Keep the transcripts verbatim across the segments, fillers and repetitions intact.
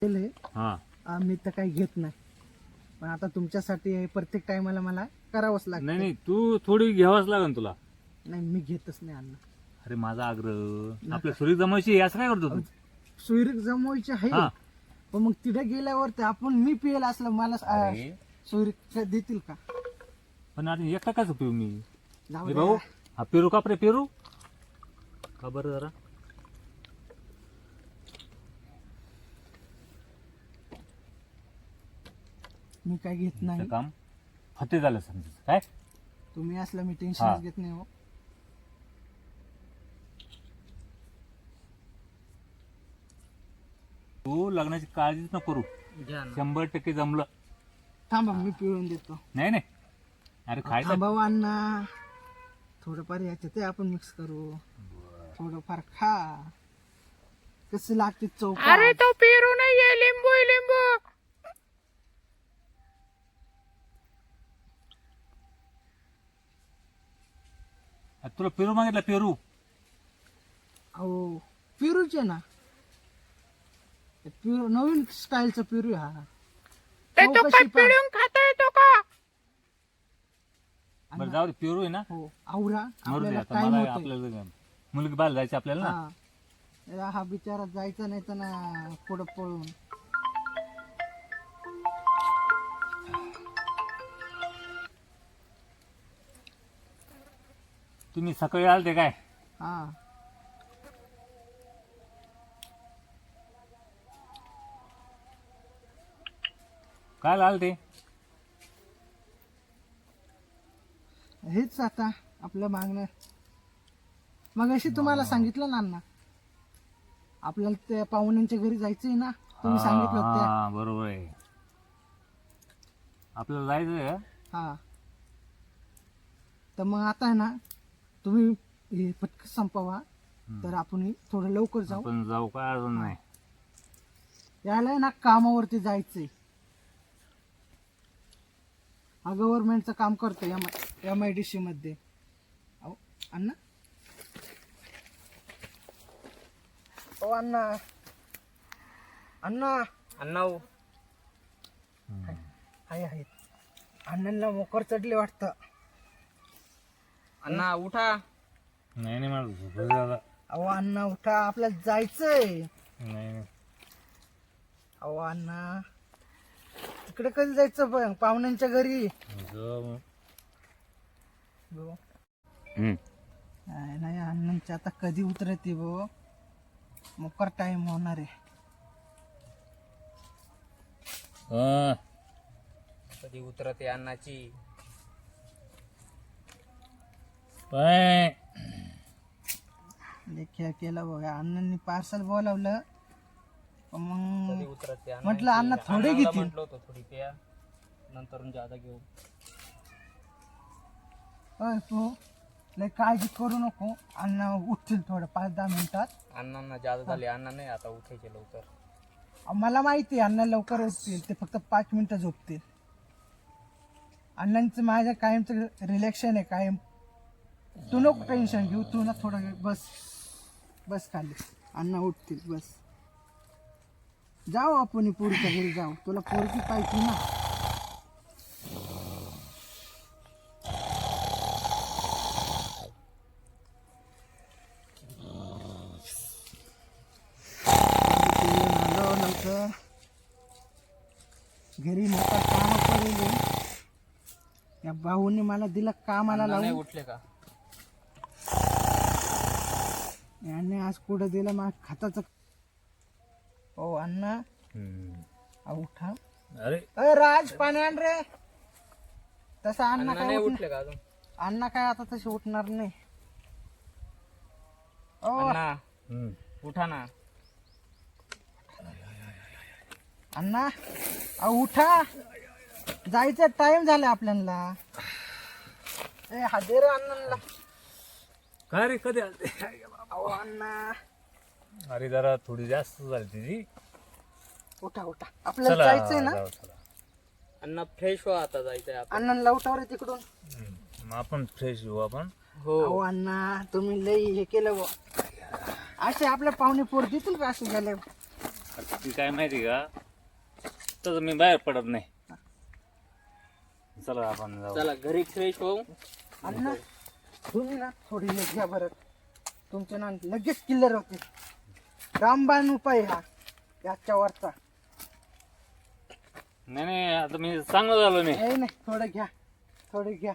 केले हा मी तर काही घेत नाही, पण आता तुमच्यासाठी हे प्रत्येक टायमाला मला करावंच लागतं. नाही नाही तू थोडी घ्यावाच लागेल तुला. नाही मी घेतच नाही अन्न. अरे माझा आग्रह आपल्या सुरी जमायची असं काय करतो तू? सोयरीक जमवायची आहे, हा पण मग तिथे गेल्यावर ते आपण मी पियला असलं मला अरे. सोयरीक देतील का? पण आता एकटा कसं पिऊ मी? जाऊ ए द्या. भाऊ हा पेरू का रे पेरू का बरं जरा मी काय घेत तुमचं नाही. काम फते झालं समजायचं काय? तुम्ही असलं मी हा. टेन्शन घेत नाही हो. तू लग्नाची काळजीच न करू, शंभर टक्के जमलं. थांबा मी पिळून देतो. नाही नाही अरे खायचं थांबा अण्णा, थोडंफार याच्यात आपण मिक्स करू. थोडंफार खा, कसं लागते चौक. अरे तो पेरू नाहीये, लिंबू आहे, लिंबू. तुला पेरू मागितला पेरू. अहो पेरूचे ना, ते पेरू नवीन स्टाईलचा पेरू आहे हा. ते तो चौकशी काय पहा. पिळून खाता येतो का? बरं जाऊ दे पेरू आहे ना, हो आवरा मरू दे आपल्याला आता. टाइम मला होतोय. आपल्याला मुलगी बाहेर जायची आपल्याला ना. हा याला हा बिचारा जायचा नाही तर ना पुढं पळून. तुम्ही सकाळी आलते काय? हा काय आलते? हेच आता आपलं मागणं. मग अशी तुम्हाला सांगितलं ना अण्णा, आपल्याला त्या पाहुण्यांच्या घरी जायचंय ना, तुम्ही सांगितलं होतं त्या. हा बरोबर आहे, आपल्याला जायचंय का? हा तर मग आता आहे ना, तुम्ही हे पटकन संपवा, तर आपण थोडं लवकर जाऊ. आपण जाऊ काय अजून नाही. यायला आहे ना कामावरती जायचंय. हा गव्हर्नमेंटचं काम करतो M M I D C मध्ये. अहो अण्णा, ओ अण्णा, अण्णा अण्णा आहे आहेत. अण्णांना मोकर चढले वाटतं. अण्णा उठा. नाही नाही मला झोपलं दादा. अहो अण्णा उठा, आपल्याला जायचंय. नाही नाही अहो अण्णा, तिकडे कधी जायचं पण पाहुण्यांच्या घरी? जाऊ. गो. हम्म. नाही नाही अण्णांची आता कधी उतरते गो, मोकर टाइम होणार आहे. हा. कधी उतरते अण्णाची? पाय. लेख्या केला बघा अण्णांनी पार्सल बोलावलं, पण कधी मग उतरते अण्णाची? म्हटलं अण्णा थोडे अण्णाला घेतील. म्हटलं होतं थोडी प्या, नंतर जादा घेऊ. अय तू लय काळजी करू नको, अण्णा उठतील थोडं पाच दहा मिनिटात. अण्णांना जादा झाली, अण्णा नाही आता उठायचे लवकर. अहो, मला माहिती आहे अण्णा लवकर उठतील, ते फक्त पाच मिनिटं झोपतील. अण्णांचं माझ्या कायमचं रिलॅक्शन आहे कायम. तू नको टेन्शन घेऊ, तू ना थोडा वेळ बस बस खाली, अण्णा उठतील बस. जाऊ आपण पोरीच्या घरी जाऊ, तुला पोरगी पाहिजे ना. आलो लवकर घरी, मोठा काम करेल. या भाऊने मला दिलं कामाला अण्णा नाही लावून, उठले का? याने आज कुठं दिलं मग खताचं. हो अण्णा, हम्म. अहो, उठा. अरे अय राज पाणी आण रे. तसं अण्णा अण्णा काय नाही उठणार, उठले का अजून? अण्णा काय आता तसे उठणार नाही. ओ अण्णा हम्म. उठा ना. अण्णा, अहो उठा, जायचं टाइम झाला आपल्याला. ए हादे रे अण्णांना. काय रे कधी आलते? अहो अण्णा, अरे जरा थोडी जास्त झाली तिची. उठा उठा, आपल्याला चला जायचंय ना. जाऊ, चला. अण्णा फ्रेश व्हा, आता जायचंय आपण. अण्णांना उठावर आहे तिकडून. हम्म. मग आपण फ्रेश होऊ आपण. हो अहो अण्णा, तुम्ही लई हे केलं बुवा. असे आपल्या पाहुणे पोर देतील का असे झाले? बाकी काय माहिती का तसं मी बाहेर पडत नाही. चला आपण जाऊ. चला घरी फ्रेश होऊ. अण्णा तुम्ही ना थोडी हे घ्या बरं, तुमचे ना लगेच किल्लर होते. रामबाण उपाय हा याच्या वरचा. नाही नाही आता मी चांगलं झालो मी. नाही नाही थोडं घ्या, थोडं घ्या.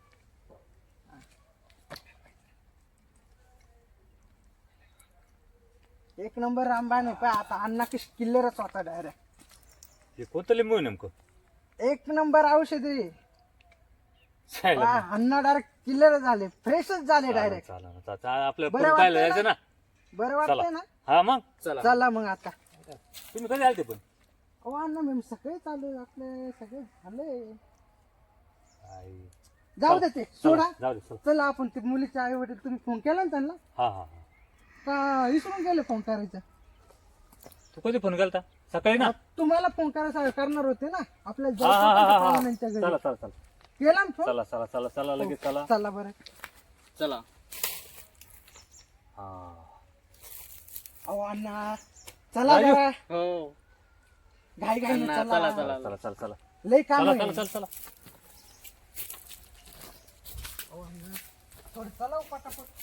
एक नंबर रामबाण उपाय. आता अण्णा कशी किल्लरच होता डायरेक्ट. हे कोणतं लिंबू आहे नेमकं? एक नंबर औषध आहे. चालेल. वा, अण्णा डायरेक्ट किल्लर झाले, फ्रेशच झाले डायरेक्ट. चालेल, चालेल. चा- आपलं बरं पुढं पाहिलं वाटतंय जायचं ना. बरं वाटतंय ना? हा मग चला चला मग आता. तुम्ही कधी आलते पण? अहो अण्णा मी सगळे चालू आपले सगळे झाले. आई. जाऊ दे ते सोडा. जाऊ दे चल. चला आपण ते मुलीचे आई वडील तुम्ही फोन केला ना त्यांना हा हा हा. का विसरून गेले फोन करायचं? तू कधी फोन केलता? सकाळी ना. तुम्हाला फोन करायचा करणार होते ना आपल्याला हा हा हा जायचं हा होतं हा. पाहुण्यांच्या घरी. चला चला चला केला ना फोन? चला चला चला चला लगेच चला. चला बरं. चला. हा. अहो अण्णा चला राजू. बरं. हो घाई घाई अण्णा, चला, चला चला. चला चला चला लय काम चला आहे. चला चला चला. अहो अण्णा, थोडं चला हो पटापट.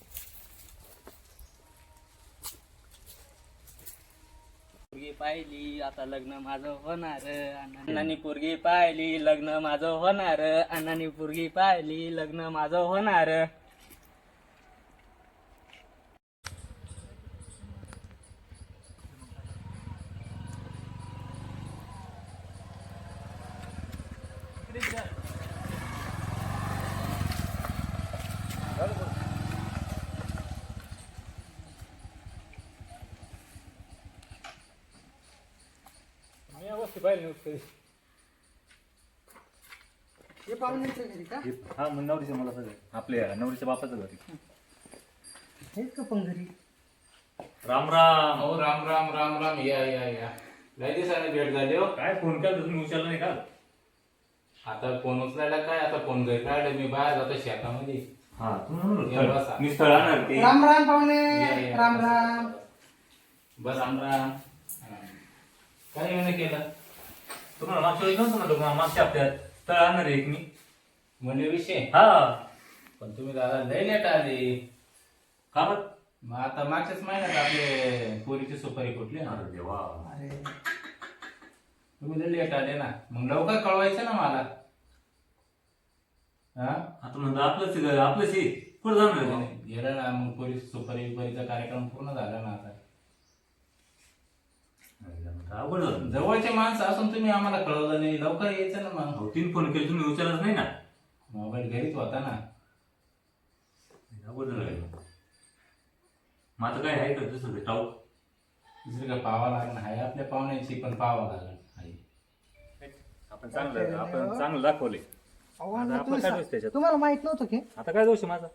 पोरगी पाहिली आता लग्न माझं होणार. अण्णांनी पोरगी पाहिली लग्न माझं होणार. अण्णांनी पोरगी पाहिली लग्न माझं होणार. मी अवस्थी पाहिली नव्हती कधी. हे पाहुण्यांच्या घरी का? हा मग नवरीचं मला सगळं आपल्या नवरीच्या बापाचं घरी. हेच का पण घरी? राम राम. हो राम राम राम राम या या या लय दिवसाने भेट झाली हो. काय फोन केला तुम्ही उचलला नाही का? आता फोन उचलायला काय, आता फोन घरी काढले, मी बाहेर जातो शेतामध्ये. हा या बसा. मी स्थळ आणणार ते. राम राम पाहुणे. या, या. राम राम. बस राम राम. हा. काय येणं केलं तुम्हाला मागच्या वेळी नव्हतं म्हणतो का मागच्या हप्त्यात स्थळ आणणार आहे एक मी. म्हणजे विषय? हा पण तुम्ही दादा लय लेट आले. का बरं? मग आता मागच्याच महिन्यात आपले पोरीची सुपारी फुटली ना. अरे देवा. अरे तुम्ही लय लेट आले ना, मग लवकर कळवायचं ना मला. हा आता म्हणतो आपलंच आहे, आपलंच आहे. कुठं जाणार आहे तुम्ही? गेलं ना, मग पोरीची सुपारी बिपारीचा कार्यक्रम पूर्ण झाला ना. आता अवघड झालं. जवळचे माणसं असून तुम्ही आम्हाला कळवलं नाही, लवकर यायचं ना. मग अहो, तीन फोन केले तुम्ही उचललाच नाही ना. मोबाईल घरीच होता ना. अवघड झालं. मग आता काय आहे का दुसरं ते टाऊक? दुसरी काय पावा लागणार आहे आपल्या पाहुण्याची, पण पावा लागणार आहे. आपण चांगलं आपण चांगलं दाखवले. अहो आता अण्णा, आपलं तुम्ही काय सा- दोष त्याच्यात? तुम्हाला माहित नव्हतं की आता काय दोष आहे माझा?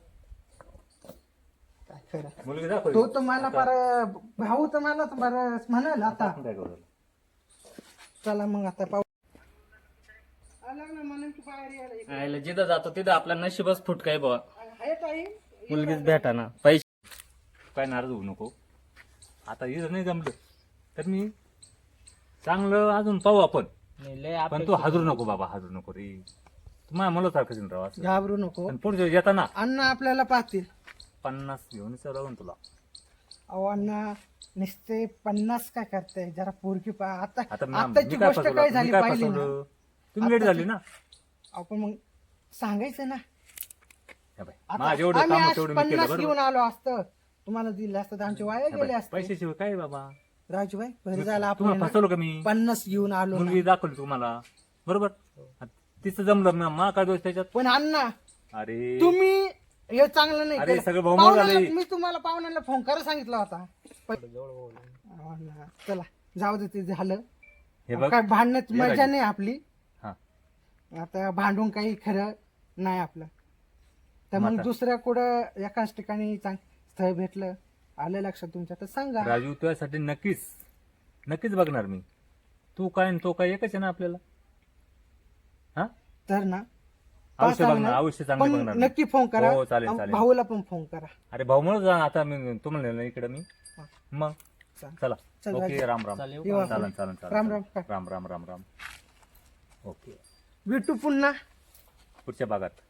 काय खरं? मुलगी दाखवली. तो तर मला फार भाऊ तर मला तर बरं म्हणाल आता. आपण काय करू? चला मग आता पाहू. आला ना म्हणून तू बाहेर यायला इकडे. आयला जिथं जातो तिथं आपला नशीबच फुटक आहे बाबा. आहे ताई? मुलगीच भेटा ना. पैसे काय नाराज होऊ नको. आता इथं नाही जमलं तर मी चांगलं अजून पाहू आपण. नाही, लय पण आपण तू हाजरू नको बाबा, हाजरू नको रे. तुम्हाला मला सारखं राव असं. घाबरू नको. आणि पुढच्या वेळी येताना अण्णा आपल्याला पाहतील. पन्नास घेऊन राहून तुला. अहो अण्णा नुसते पन्नास काय करताय, जरा पोरकी पा आता आता मी- आताची मी काय गोष्ट फसवलं? काय मी झाली काय पाहिली ना. फसवलं? तुम्ही लेट झाली ना. आपण मग सांगायचं ना. हे बाई, आता माझं एवढं आम्ही काम आज तेवढं मी केलं पन्नास बरोबर. घेऊन आलो असतं, तुम्हाला दिलं असतं तर आमचे वाया हे गेले बाई, असते. पैशाशिवाय काय बाबा? राजूभाई बरं झालं आपण तुम्हाला ना फसवलं का मी? पन्नास घेऊन आलो ना. मुलगी दाखवली तुम्हाला बरोबर. तिचं जमलं ना, मा काय दोष त्याच्यात? पण अण्णा अरे तुम्ही हे चांगलं नाही अरे, केलं. सगळं भावमोल पाहुण्याला- झालंय. मी तुम्हाला पाहुण्याला फोन करा सांगितला होता. अहो अण्णा, चला जाऊ दे ते झालं. हे बघ काय भांडण्यात हे मजा राजू. नाही आपली. हा. आता भांडून काही खरं नाही आपलं. तर मग माता. दुसऱ्या कुठं एकाच ठिकाणी चांग स्थळ भेटलं आलं लक्षात तुमच्या तर सांगा. राजू तुझ्यासाठी नक्कीच नक्कीच बघणार मी. तू काय आणि तो काय एकच आहे ना आपल्याला. हा तर ना अवश्य पाहा बघणार, चांगलं. अवश्य चांगलं पण बघणार मी. नक्की फोन करा. हो, चालेल, आणि चालेल. भाऊला पण फोन करा. अरे भाऊ म्हणून जा आता मी तुम्हाला नेलं इकडे मी. मग चालेल. चला चल, ओके राम राम चालेल. येऊ आपण. चालन चालन चालन राम राम. राम राम राम राम ओके भेटू पुन्हा पुढच्या भागात